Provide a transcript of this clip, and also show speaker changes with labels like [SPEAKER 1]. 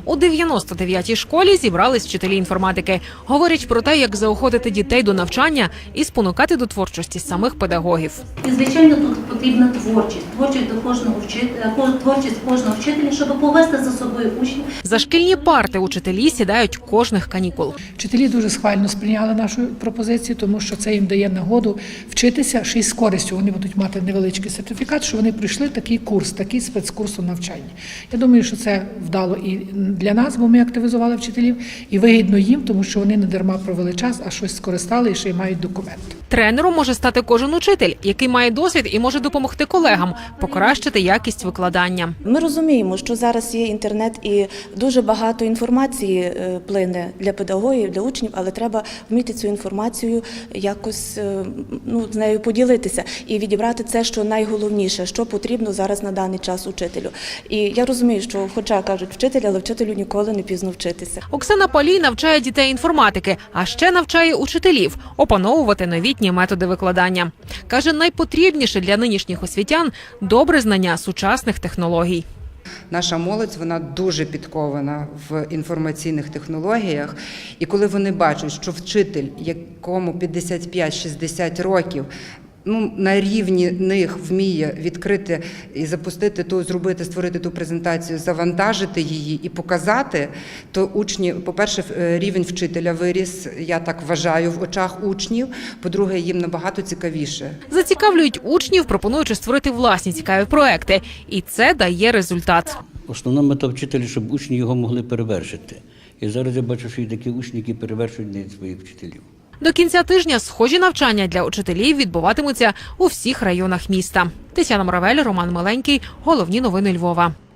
[SPEAKER 1] У 99-й школі зібрались вчителі інформатики. Говорять про те, як заохотити дітей до навчання і спонукати до творчості самих педагогів.
[SPEAKER 2] І, звичайно, тут потрібна творчість. Творчість до кожного вчителя, творчість кожного вчителя, щоб повести за собою учнів.
[SPEAKER 1] За шкільні парти учителі сідають кожних канікул.
[SPEAKER 3] Вчителі дуже схвально сприйняли нашу пропозицію, тому що це їм дає нагоду вчитися, ще й з користю. Вони будуть мати невеличкий сертифікат, що вони пройшли такий курс, такий спецкурс у навчанні. Я думаю, що це вдало і для нас, бо ми активізували вчителів, і вигідно їм, тому що вони не дарма провели час, а щось скористали і ще й мають документ.
[SPEAKER 1] Тренером може стати кожен учитель, який має досвід і може допомогти колегам покращити якість викладання.
[SPEAKER 4] Ми розуміємо, що зараз є інтернет і дуже багато інформації плине для педагогів, для учнів, але треба вміти цю інформацію якось з нею поділитися і відібрати це, що найголовніше, що потрібно зараз на даний час учителю. І я розумію, що хоча кажуть вчитель, але вчителю ніколи не пізно вчитися.
[SPEAKER 1] Оксана Палій навчає дітей інформатики, а ще навчає учителів опановувати новітні методи викладання. Каже, найпотрібніше для нинішніх освітян – добре знання сучасних технологій.
[SPEAKER 5] Наша молодь, вона дуже підкована в інформаційних технологіях. І коли вони бачать, що вчитель, якому 55-60 років, на рівні них вміє відкрити і запустити створити ту презентацію, завантажити її і показати, то учні, по-перше, рівень вчителя виріс, я так вважаю, в очах учнів, по-друге, їм набагато цікавіше.
[SPEAKER 1] Зацікавлюють учнів, пропонуючи створити власні цікаві проекти. І це дає результат.
[SPEAKER 6] Основна мета вчителя, щоб учні його могли перевершити. І зараз я бачу, що є такі учні, які перевершують навіть своїх вчителів.
[SPEAKER 1] До кінця тижня схожі навчання для учителів відбуватимуться у всіх районах міста. Тетяна Моравель, Роман Миленький. Головні новини Львова.